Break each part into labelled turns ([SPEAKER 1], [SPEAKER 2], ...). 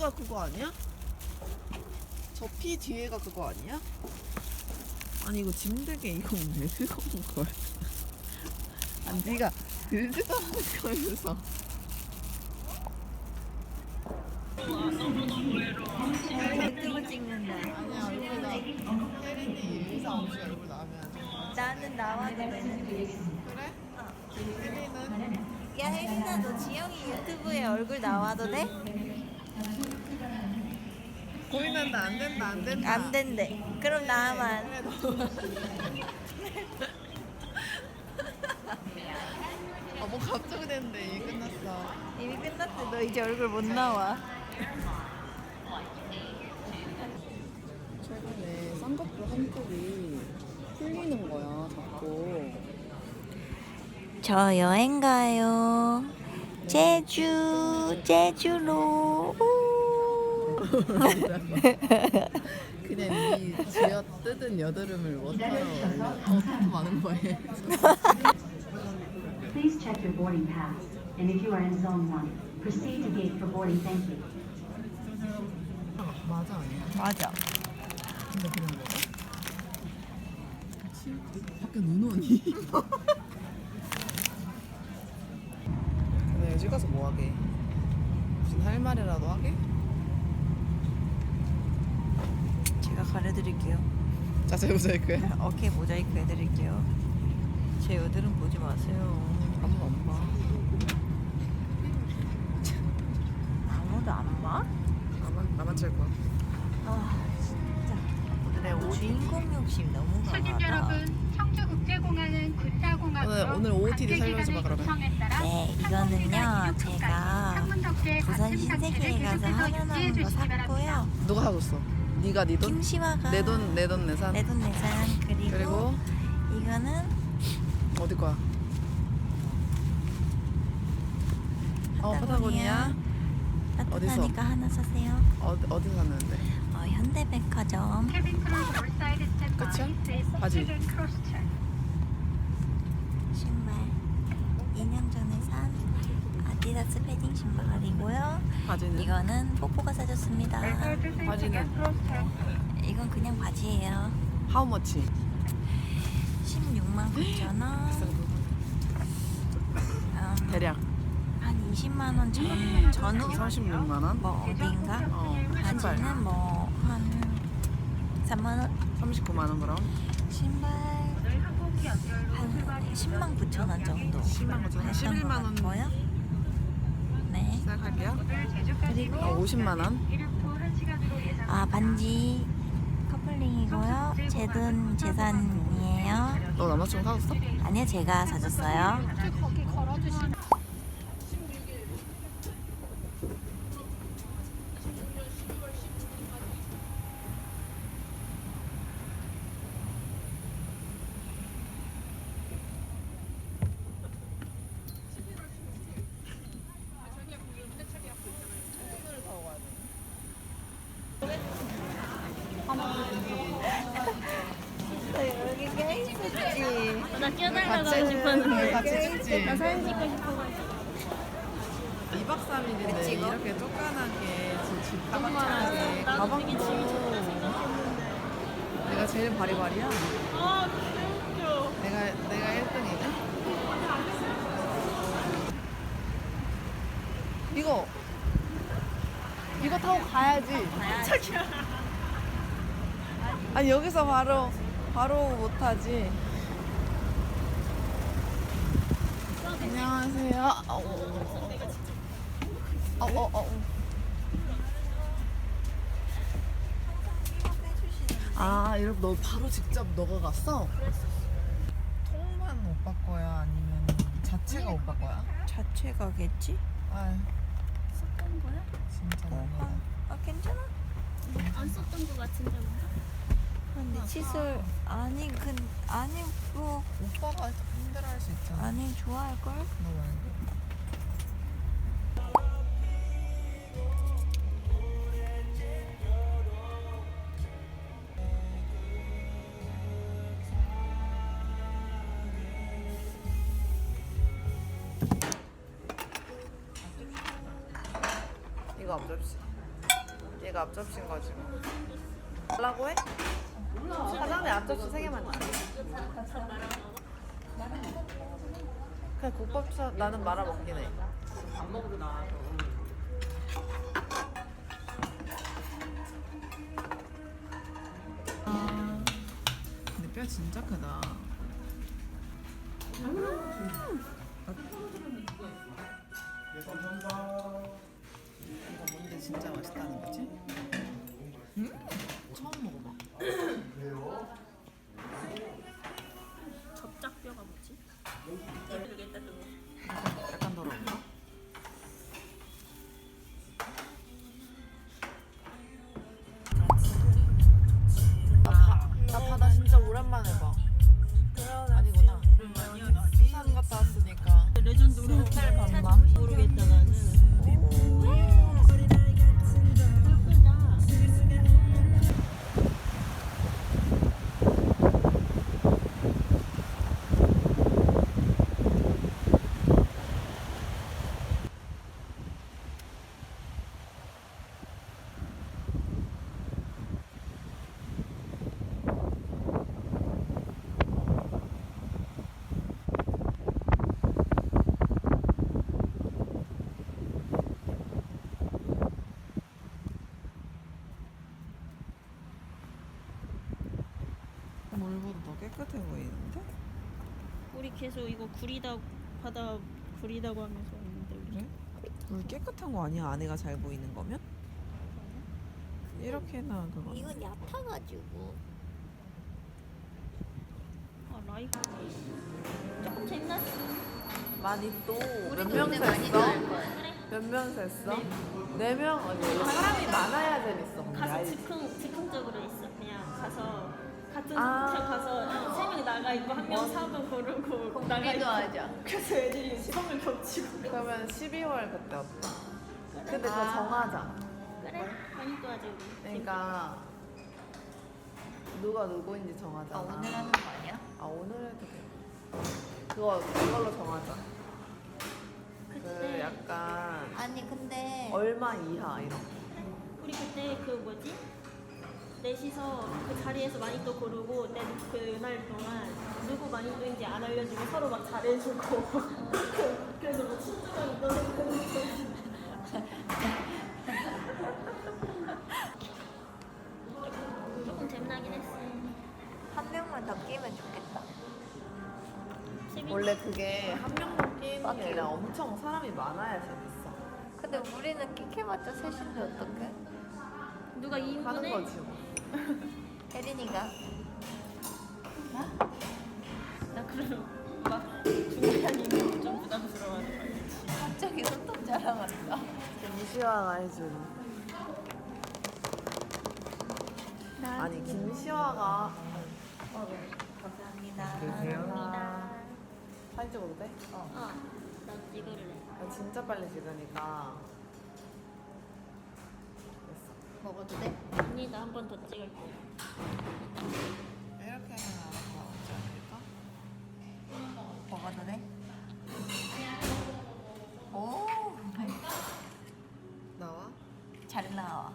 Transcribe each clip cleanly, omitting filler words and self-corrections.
[SPEAKER 1] 뒤에가 그거 아니야? 저 피 뒤에가 그거 아니야? 아니 이거 짐들게 이거 왜 뜨거운 거야? 아니 네가 들지도 않은 거에서
[SPEAKER 2] 유튜브 찍는다.
[SPEAKER 1] 아니야 얼굴 혜린이 의사 없이 얼굴 나오면
[SPEAKER 2] 나는 나와도 되는데.
[SPEAKER 1] 그래? 혜린은?
[SPEAKER 2] 야 혜린아 너 지영이 유튜브에 얼굴 나와도 돼?
[SPEAKER 1] 고민한다 안 된다 안 된다
[SPEAKER 2] 안 된대. 그럼 나만.
[SPEAKER 1] 그래 너 뭐 갑자기 됐는데 이게 끝났어
[SPEAKER 2] 이미 끝났대. 너 이제 얼굴 못 나와.
[SPEAKER 1] 최근에 쌍꺼풀 한쪽이 풀리는 거야 자꾸
[SPEAKER 2] 저 여행 가요. 제주로.
[SPEAKER 1] 그냥 이 쥐어 뜯은 여드름을 워터로 더 많은 거에
[SPEAKER 3] Please check your boarding pass, and if you are in Zone 1, proceed to gate for boarding. Thank you.
[SPEAKER 1] 맞아 아니야?
[SPEAKER 2] 맞아.
[SPEAKER 1] 근데 그런 거야? 그치? 밖에 눈 오니? 근데 여기 가서 뭐 하게? 무슨 할 말이라도 하게?
[SPEAKER 2] 제가 가려드릴게요.
[SPEAKER 1] 자세히 모자이크해
[SPEAKER 2] 어깨 모자이크 해드릴게요. 제 여드름 보지 마세요.
[SPEAKER 1] 아무도 안 봐.
[SPEAKER 2] 아무도 안 봐?
[SPEAKER 1] 나만 찰 거야.
[SPEAKER 2] 아 진짜 오늘의 주인공 욕심 너무
[SPEAKER 4] 손님
[SPEAKER 2] 강하다.
[SPEAKER 4] 여러분, 청주국제공항은 군사공항으로
[SPEAKER 1] 오늘 OOTD 살려줘 봐, 그러면.
[SPEAKER 2] 네, 이거는요 제가 부산 신세계에 가서 하려는 거 샀고요.
[SPEAKER 1] 누가 사줬어? 네가 네 돈?
[SPEAKER 2] 김시화가
[SPEAKER 1] 내 돈 내산.
[SPEAKER 2] 내돈 내산 그리고 이거는
[SPEAKER 1] 어디 거야? 파타고니아. 어디서?
[SPEAKER 2] 따뜻하니까 하나 사세요.
[SPEAKER 1] 어디 샀는데?
[SPEAKER 2] 현대백화점.
[SPEAKER 1] 끝이야? 바지.
[SPEAKER 2] 신발 2년 전에 산 아디다스 패딩 신발이고요.
[SPEAKER 1] 바지는?
[SPEAKER 2] 이거는 뽀뽀가 사줬습니다.
[SPEAKER 1] 바지는?
[SPEAKER 2] 이건 그냥 바지예요.
[SPEAKER 1] How much?
[SPEAKER 2] 16만 9천 원.
[SPEAKER 1] 대략
[SPEAKER 2] 한 20만 원 전후
[SPEAKER 1] 36만 원?
[SPEAKER 2] 뭐 어디인가?
[SPEAKER 1] 신발
[SPEAKER 2] 바지는 뭐 한 3만 원.
[SPEAKER 1] 39만 원 그럼?
[SPEAKER 2] 신발 한 10만 9천 원 정도.
[SPEAKER 1] 10만 9천 원? 11만 원
[SPEAKER 2] 고요. 네.
[SPEAKER 1] 시작할게요.
[SPEAKER 2] 그리고
[SPEAKER 1] 50만 원?
[SPEAKER 2] 아 반지 커플링이고요. 제 돈 재산이에요.
[SPEAKER 1] 너 남자친구 사줬어?
[SPEAKER 2] 아니요 제가 사줬어요. 여기 껴있었지.
[SPEAKER 5] 나 껴달라고 싶었는데.
[SPEAKER 1] 같이 찍지?
[SPEAKER 5] 나 사진 찍고 싶어가지고.
[SPEAKER 1] 2박 3일인데
[SPEAKER 2] 찍어?
[SPEAKER 1] 이렇게 쫓겨나게 집
[SPEAKER 5] 가방
[SPEAKER 1] 조그만하게
[SPEAKER 5] 잘- 나도
[SPEAKER 1] 가방도
[SPEAKER 5] 되게 재밌었어.
[SPEAKER 1] 내가 제일 바리바리야?
[SPEAKER 5] 아, 개웃겨.
[SPEAKER 1] 내가 1등이냐? 이거 타고 가야지. 아니 여기서 바로 못하지. 안녕하세요. 아, 이렇게 너 바로 직접 너가 갔어? 통만 오빠 거야? 아니면 자체가 오빠 거야?
[SPEAKER 2] 자체가겠지?
[SPEAKER 1] 아,
[SPEAKER 5] 썼던 거야?
[SPEAKER 1] 진짜 너무하다.
[SPEAKER 2] 아 괜찮아?
[SPEAKER 5] 안 썼던 거 같은데 뭔가?
[SPEAKER 2] 근데 칫솔 아니 아니 뭐
[SPEAKER 1] 오빠가 힘들어할 수 있잖아.
[SPEAKER 2] 아니 좋아할 걸?
[SPEAKER 1] 너 말고. 이거 앞접시. 언니가 앞접시인 거지. 달라고 해? 사장님 앞접시 3개만 줘. 그냥 국밥차 나는 말아 먹긴 해. 안 먹어도 나와서. 근데 뼈 진짜 크다. 이거 뭔데 진짜 맛있다는 거지? 처음 먹어봐.
[SPEAKER 5] 접짝뼈가 뭐지? 모르겠다 그거.
[SPEAKER 1] 약간 더러운가? 나 바다 진짜 오랜만에 봐. 아니구나. 부산 갔다 왔으니까.
[SPEAKER 5] 레전드로
[SPEAKER 1] 호텔 밤밤?
[SPEAKER 5] 모르겠다 나는.
[SPEAKER 1] 물보다 더 깨끗해 보이는데?
[SPEAKER 5] 우리 계속 이거 구리다 바다 구리다고 하면서 왔는데 우리.
[SPEAKER 1] 그래? 물 깨끗한 거 아니야? 안에가 잘 보이는 거면? 이렇게나 그거.
[SPEAKER 2] 이건 얕아가지고.
[SPEAKER 5] 아 라이브 조금 재밌었어.
[SPEAKER 1] 많이 또 몇
[SPEAKER 2] 우리도
[SPEAKER 1] 명
[SPEAKER 2] 근데 많이
[SPEAKER 1] 셌어?
[SPEAKER 2] 나을 거야.
[SPEAKER 1] 몇 명 셌어? 4명? 아니 원래 사람이 많아야 재밌어. 근데
[SPEAKER 5] 가서
[SPEAKER 1] 알지?
[SPEAKER 5] 즉흥적으로 있어. 그냥 가서 같은
[SPEAKER 1] 아.
[SPEAKER 5] 호텔 가서 3명 나가 있고 한 명 사도 고르고 나가
[SPEAKER 2] 우리도
[SPEAKER 5] 있고.
[SPEAKER 2] 하자.
[SPEAKER 5] 그래서 애들이 성을 겹치고.
[SPEAKER 1] 그러면 12월 그때 어때? 근데 더
[SPEAKER 2] 아.
[SPEAKER 1] 정하자.
[SPEAKER 5] 그래 많이 또 하자 우리.
[SPEAKER 1] 그러니까 누가 누구인지 정하자.
[SPEAKER 2] 아, 오늘 하는 거 아니야?
[SPEAKER 1] 아 오늘 해도 돼. 그걸로 정하자. 그
[SPEAKER 5] 그때
[SPEAKER 1] 약간
[SPEAKER 2] 아니 근데
[SPEAKER 1] 얼마 이하 이런 거.
[SPEAKER 5] 우리 그때 그 뭐지? 넷이서 그 자리에서 많이 또 고르고 그날 동안 누구 많이 또인지 안 알려주고 서로 막 잘해주고 그래서 뭐 친구가 떠내고 조금 재미나긴 했어.
[SPEAKER 2] 한 명만 더 끼면 좋겠다.
[SPEAKER 1] 원래 그게 한 명만 끼는 게 아니라 엄청 사람이 많아야 재밌어.
[SPEAKER 2] 근데 우리는 끼켜봤자 셋인데 어떡해?
[SPEAKER 5] 누가
[SPEAKER 1] 하는
[SPEAKER 5] 2인분에
[SPEAKER 1] 거지 뭐.
[SPEAKER 2] 혜린이가
[SPEAKER 5] 나 그러면 막 중간에 있는 좀 부담스러워하는 거 알지?
[SPEAKER 2] 갑자기 손톱 자랑한다.
[SPEAKER 1] 김시화가 해준. 아니 김시화가
[SPEAKER 2] 감사합니다.
[SPEAKER 1] 감사합니다. 사진 찍어도 돼?
[SPEAKER 5] 나 찍을래.
[SPEAKER 1] 나 진짜 빨리 찍으니까 됐어.
[SPEAKER 2] 먹어도 돼?
[SPEAKER 5] 언니 나 한 번 더 찍을게.
[SPEAKER 1] 이렇게 하면 더 낫지 않을까?
[SPEAKER 2] 먹어도 돼? 오,
[SPEAKER 1] 나와?
[SPEAKER 2] 잘 나와.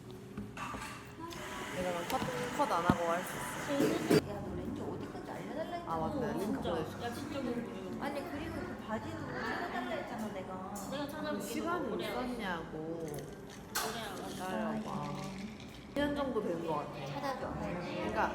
[SPEAKER 1] 내가 컷 안 하고 할 수 있어.
[SPEAKER 2] 야, 너 렌즈 어디까지 알려달라 했잖아.
[SPEAKER 1] 아 맞다. 링크
[SPEAKER 5] 진짜
[SPEAKER 1] 보내줄게.
[SPEAKER 5] 야 진짜 궁금해.
[SPEAKER 2] 아니 그리고 그 바지도 찾아달라 했잖아 내가.
[SPEAKER 5] 내가 찾아볼게.
[SPEAKER 1] 시간이
[SPEAKER 5] 오래
[SPEAKER 1] 있었냐고.
[SPEAKER 5] 오래 알아.
[SPEAKER 1] 기다려봐. 2년 정도 된 것 같아.
[SPEAKER 2] 찾아줘.
[SPEAKER 1] 그러니까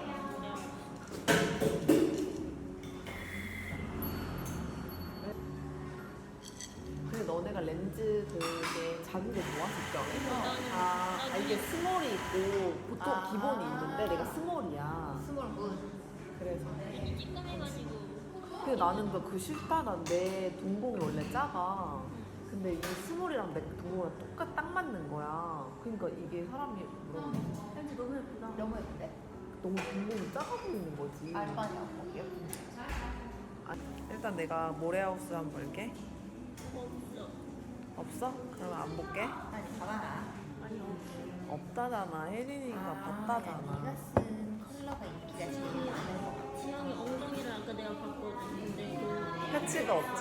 [SPEAKER 1] 근데 너네가 렌즈 되게 작은 게 좋아? 직경에? 아 이게 스몰이 있고 보통
[SPEAKER 2] 아.
[SPEAKER 1] 기본이 있는데 내가 스몰이야.
[SPEAKER 2] 스몰 굿.
[SPEAKER 1] 그래서
[SPEAKER 5] 이게 찌끔해가지고.
[SPEAKER 1] 근데 나는 그 싫다. 난 내 동공이 원래 작아. 근데 이 스몰이랑 내 동공이랑 딱 맞는 거야. 그러니까 이게 사람이 물어보는
[SPEAKER 5] 렌즈 너무 예쁘다.
[SPEAKER 2] 너무 예쁜데?
[SPEAKER 1] 너무 동공이 작아 보이는 거지.
[SPEAKER 2] 알바냐 뭐 예쁜데.
[SPEAKER 1] 아, 일단 내가 모래하우스 한번 볼게.
[SPEAKER 5] 없어.
[SPEAKER 1] 없어? 그러면 안 볼게.
[SPEAKER 2] 아니 봐봐.
[SPEAKER 5] 아니 없어.
[SPEAKER 1] 없다잖아. 혜린이가
[SPEAKER 2] 네가
[SPEAKER 1] 봤다잖아.
[SPEAKER 2] 쓴 컬러가 인기가 제일 많은 거 같아.
[SPEAKER 5] 지영이 엉덩이를 아까 내가 봤거든. 근데 그
[SPEAKER 1] 패치가 없지?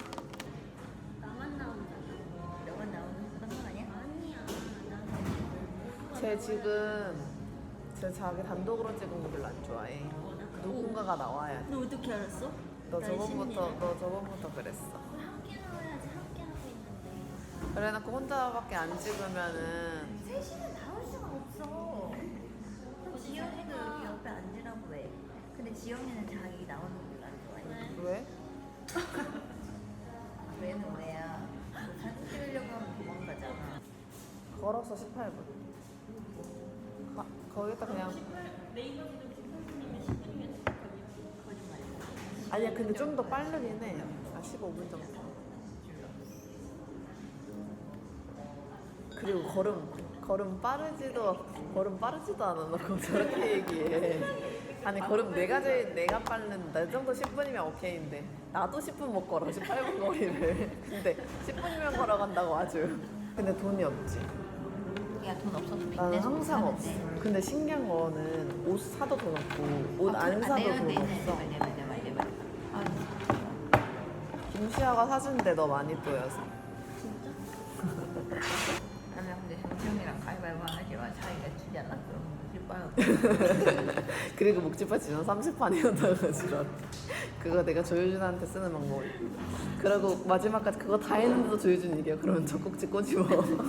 [SPEAKER 5] 나만 나온잖아.
[SPEAKER 2] 너가 나오는 그런 거 아니야?
[SPEAKER 5] 아니야. 나는
[SPEAKER 1] 쟤 지금 쟤 자기 단독으로 찍은 거 별로 안 좋아해. 누군가가 나와야 돼.
[SPEAKER 5] 너 어떻게 알았어?
[SPEAKER 1] 너 저번부터 그랬어.
[SPEAKER 5] 함께 나와야지. 함께 하고 있는데.
[SPEAKER 1] 그래놓고 혼자밖에 안 찍으면은
[SPEAKER 2] 셋이는 나올 수가 없어. 지영이도 여기 옆에 앉으라고 해. 근데 지영이는 자기 나오는 걸 안 좋아해.
[SPEAKER 1] 왜?
[SPEAKER 2] 왜는 왜야? 뭐 사진 찍으려고 하면 도망가잖아.
[SPEAKER 1] 걸어서 18분. 거기다 그냥
[SPEAKER 5] 네이버 지도 18분이면 10분이면
[SPEAKER 2] 거짓말.
[SPEAKER 1] 아니야 근데 좀 더 빠르긴 해. 15분 정도. 그리고 걸음 빠르지도 않아 놓고 저렇게 얘기해. 아니 걸음 내가 빠른다. 이 정도 10분이면 오케이인데 나도 10분 못 걸어 18분 거리를. 근데 10분이면 걸어간다고 아주. 근데 돈이 없지.
[SPEAKER 2] 야, 돈 없어도
[SPEAKER 1] 나는
[SPEAKER 2] 빚내서
[SPEAKER 1] 항상 없어.
[SPEAKER 2] 사는데.
[SPEAKER 1] 근데 신기한 거는 옷 사도 돈 없고 옷 안 사도 돈 없어.
[SPEAKER 2] 내 말. 아,
[SPEAKER 1] 김시아가 사준대 너 많이 보여서.
[SPEAKER 2] 나는 근데 정정이랑 가위바위보 하지만 자기가 주지 않아. 그럼 못 봐요.
[SPEAKER 1] 그리고 목지파 지난 30판이었다가 지랄. 그거 내가 조효준한테 쓰는 방법이. 그리고 마지막까지 그거 다 했는데도 조효준 이겨. 그러면 젖꼭지 꼬집어.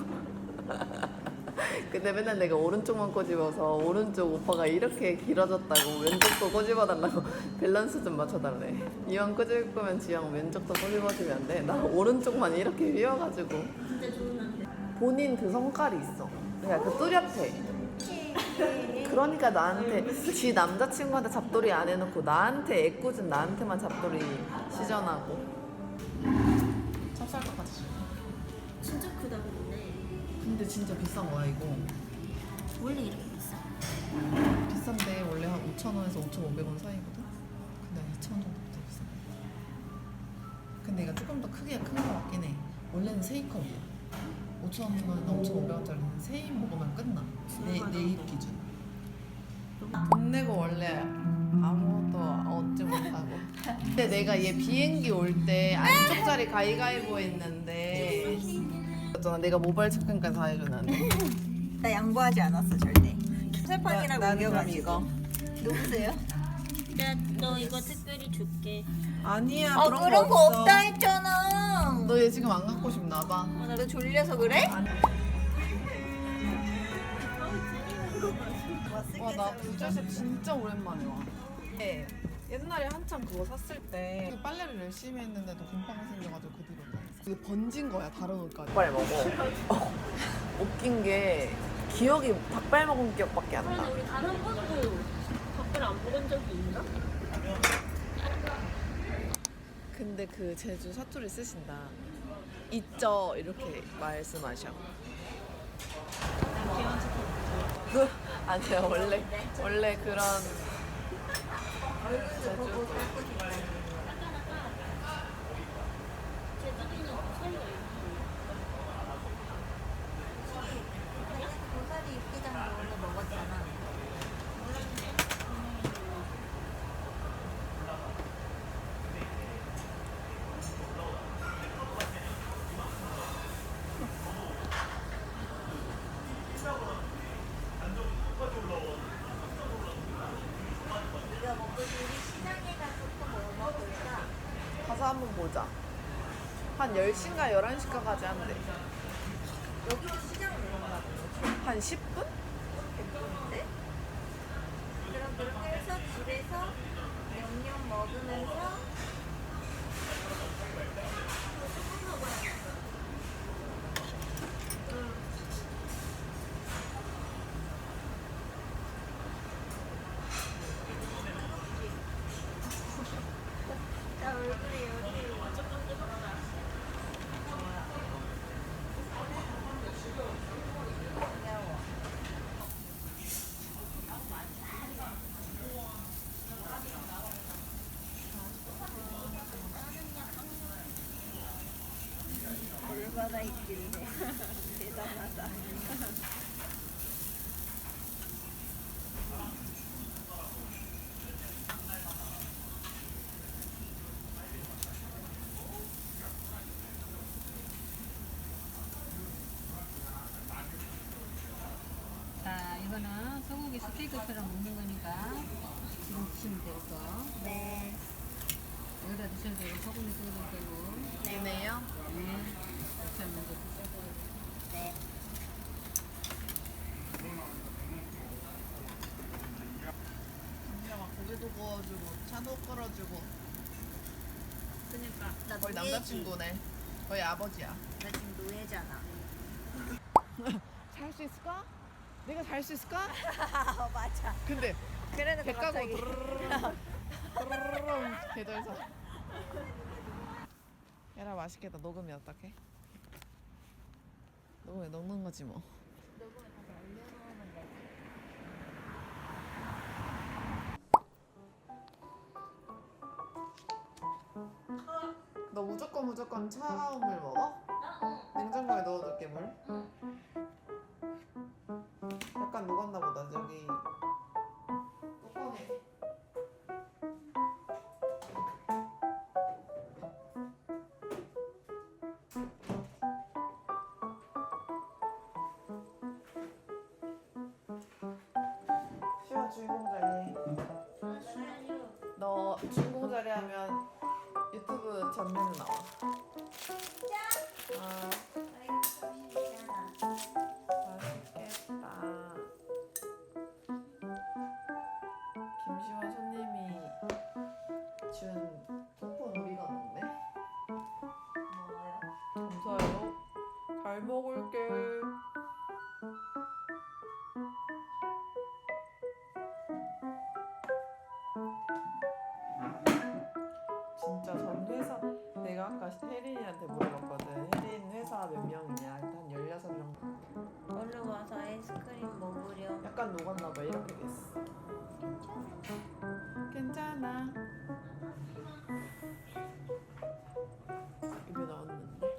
[SPEAKER 1] 근데 맨날 내가 오른쪽만 꼬집어서 오른쪽 오빠가 이렇게 길어졌다고 왼쪽도 꼬집어달라고 밸런스 좀 맞춰달래. 이왕 꼬집을 거면 지영 왼쪽도 꼬집어주면 안 돼? 나 오른쪽만 이렇게 휘어가지고.
[SPEAKER 5] 진짜 좋은 남자.
[SPEAKER 1] 본인 그 성깔이 있어. 그러니까 그 뚜렷해. 그러니까 나한테 지 남자친구한테 잡돌이 안 해놓고 나한테 애꿎은 나한테만 잡돌이 시전하고. 찹쌀떡같이 줘.
[SPEAKER 5] 진짜 크다 근데.
[SPEAKER 1] 근데 진짜 비싼 거야 이거.
[SPEAKER 5] 원래 이렇게 비싸?
[SPEAKER 1] 비싼데 원래 한 5,000원에서 5,500원 사이거든? 근데 2,000원 정도부터 비싸. 근데 이거 조금 더 크게 큰 거 같긴 해. 원래는 세이컵이야. 5,000원이나 5,500원짜리는 세입 먹으면 끝나. 내 입 기준. 돈 내고 원래 아무것도 얻지 못하고. 근데 내가 얘 비행기 올 때 안쪽 자리 가위가위보 했는데 있잖아. 내가 모바일 체크인까지 다 해주는데.
[SPEAKER 2] 나 양보하지 않았어 절대. 세판이라고
[SPEAKER 1] 나는 그럼
[SPEAKER 2] 우겨가지고.
[SPEAKER 1] 이거.
[SPEAKER 2] 누구세요?
[SPEAKER 5] 너 이거 특별히 줄게.
[SPEAKER 1] 아니야
[SPEAKER 2] 아 그런 거 없다 했잖아.
[SPEAKER 1] 너 얘 지금 안 갖고 싶나 봐.
[SPEAKER 2] 너 졸려서 그래?
[SPEAKER 1] 와 나 부자샵 진짜 오랜만에 와. 네, 옛날에 한참 그거 샀을 때 빨래를 열심히 했는데도 곰팡이 생겨가지고 그 뒤로 그게 번진 거야 다른 옷까지. 닭발 먹어. 웃긴 게 기억이 닭발 먹은 기억밖에 안 나.
[SPEAKER 5] 그런데 우리 단 한 번도 닭발 안 먹은 적이 있나?
[SPEAKER 1] 근데 그 제주 사투리 쓰신다. 있죠 이렇게 말씀하셔. 아니야 원래 그런 제주도.
[SPEAKER 5] 제주도는 무서워요.
[SPEAKER 2] 고사리 육개장도 원래 먹었잖아. 네가 먹고 우리 시장에 가서 또 뭐 먹을까?
[SPEAKER 1] 가서 한번 보자. 한 10시인가 11시까지 한대.
[SPEAKER 2] 여기도 시장 내려가 보지.
[SPEAKER 1] 한 10분?
[SPEAKER 2] 예쁜데? 그럼 그렇게 해서 집에서 양념 먹으면서 나 얼굴이 여기 귀여워. 얼마나 있길래 대단하다.
[SPEAKER 6] 토마토처럼 먹는 거니까 지금 드시면 되고
[SPEAKER 2] 네.
[SPEAKER 6] 여기다 드셔도 되고 소금에 끓여도 되고
[SPEAKER 1] 되네요.
[SPEAKER 6] 네. 그렇게 하면 이제 드셔도
[SPEAKER 2] 네.
[SPEAKER 1] 언니가 막 고기도 구워주고 차도 끌어주고.
[SPEAKER 2] 그니까 나
[SPEAKER 1] 거의
[SPEAKER 2] 노예지.
[SPEAKER 1] 남자친구네. 거의 아버지야.
[SPEAKER 2] 나 지금 노예잖아.
[SPEAKER 1] 잘 수 있을까? 내가 잘 수 있을까?
[SPEAKER 2] 맞아.
[SPEAKER 1] 근데
[SPEAKER 2] 그래도
[SPEAKER 1] 배 까고
[SPEAKER 2] 갑자기.
[SPEAKER 1] 드르르르 배도에서. 얘라 맛있겠다. 녹으면 어떡해? 녹으면 녹는 거지 뭐.
[SPEAKER 2] 녹음을 다시 올려놓으면 되지.
[SPEAKER 1] 너 무조건 차가운 물 먹어? 냉장고에 넣어둘게 물. 약간 녹았나 보다. 저기 뚜껑에. 시아 주인공 자리. 너 주인공 자리 하면 유튜브 전면에 나와. 아, 맛있겠다. 김시원 손님이 준 쿠폰 우리가 넣네.
[SPEAKER 2] 뭐요?
[SPEAKER 1] 감사해요. 잘 먹을게. 진짜 전 회사 내가 아까 혜린이한테 물어봤거든. 혜린 회사 몇 명이냐? 한 16명.
[SPEAKER 2] 얼른 와서 아이스크림 먹으렴.
[SPEAKER 1] 약간 녹았나 봐. 이렇게 됐어. 괜찮아. 입에 넣었는데.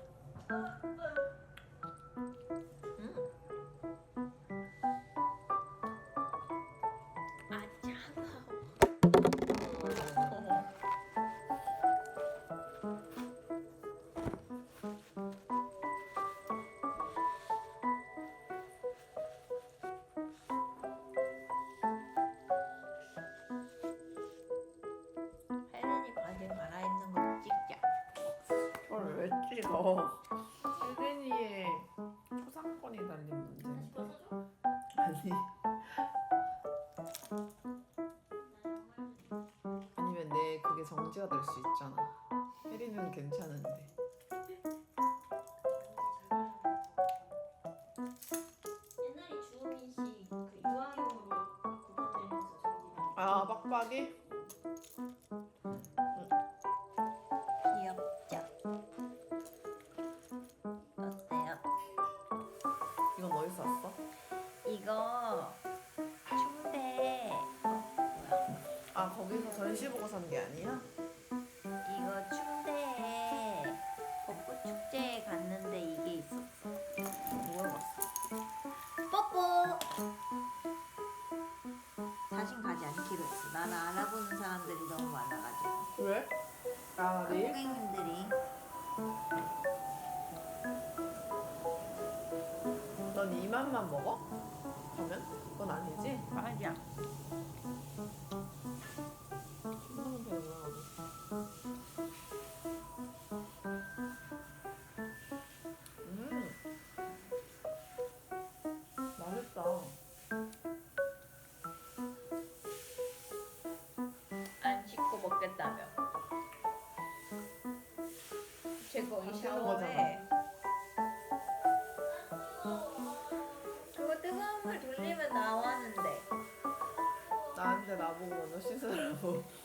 [SPEAKER 2] 아 차가워. 혜린이 바지 갈아입는 거 찍자.
[SPEAKER 1] 그걸 왜 찍어? 혜린이의 초상권이 달린 문제인데. 아니. 아니면 내 그게 정지가 될 수 있잖아. 혜린이는 괜찮은데.
[SPEAKER 5] 옛날에 주호민 씨그 유아용으로 그것 때리면서 정지가
[SPEAKER 1] 아, 빡빡이?
[SPEAKER 2] 귀엽죠? 어때요?
[SPEAKER 1] 이건 어디서 샀어?
[SPEAKER 2] 이거 충대 뭐야?
[SPEAKER 1] 아, 거기서 전시 보고 산 게 아니야?
[SPEAKER 2] 이거 충대에 벚꽃 축제에 갔는데 이게 있었어.
[SPEAKER 1] 뭘 봤어?
[SPEAKER 2] 뽀뽀. 다신 가지 않기로 했어. 나는 알아보는 사람들이 너무 많아가지고.
[SPEAKER 1] 왜? 아, 내일?
[SPEAKER 2] 고객님들이.
[SPEAKER 1] 넌 이만만 먹어? 그러면? 그건 아니지?
[SPEAKER 2] 맞아.
[SPEAKER 1] 신나는 배우야. 맛있다.
[SPEAKER 2] 안 씻고 먹겠다며. 제 거기
[SPEAKER 1] 안
[SPEAKER 2] 샤워해. 그거 뜨거운 물 돌리면 나왔는데.
[SPEAKER 1] 나한테 나보고 너 씻으라고.